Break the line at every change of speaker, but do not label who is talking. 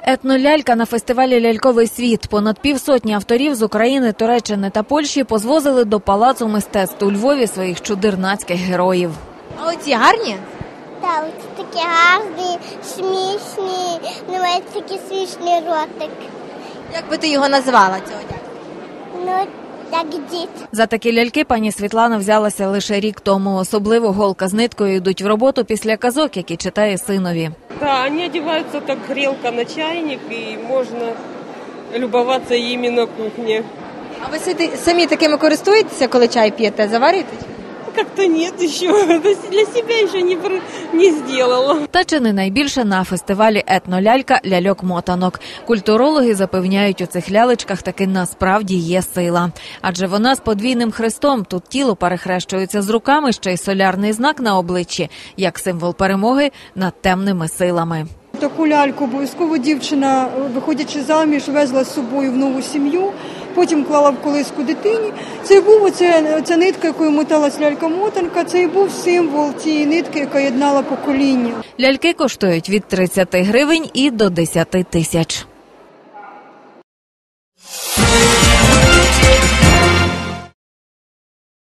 Етнолялька на фестивалі «Ляльковий світ». Понад півсотні авторів з України, Туреччини та Польщі позвозили до Палацу мистецтв у Львові своїх чудернацьких героїв.
А оці гарні?
Так, оці такі гарні, смішні, навіть такий смішний ротик.
Як би ти його назвала, цього дядька?
Ну, як дід.
За такі ляльки пані Світлана взялася лише рік тому. Особливо голка з ниткою йдуть в роботу після казок, які читає синові.
Да, они одеваются как грелка на чайник, и можно любоваться ими на кухне.
А ви самі такими користуєтеся, коли чай п'єте? Заварюєте?
Как-то нет еще, для себя еще не сделала.
Та чи не найбільше на фестивалі етнолялька ляльок-мотанок. Культурологи запевняють, у цих лялечках таки насправді є сила. Адже вона з подвійним хрестом. Тут тіло перехрещується з руками, ще й солярний знак на обличчі, як символ перемоги над темними силами.
Таку ляльку обов'язково дівчина, виходячи заміж, везла з собою в нову сім'ю, потім клала в колиску дитині. Це був оця нитка, якою моталась лялька-мотанка, це і був символ цієї нитки, яка єднала покоління.
Ляльки коштують від 30 гривень і до 10 тисяч.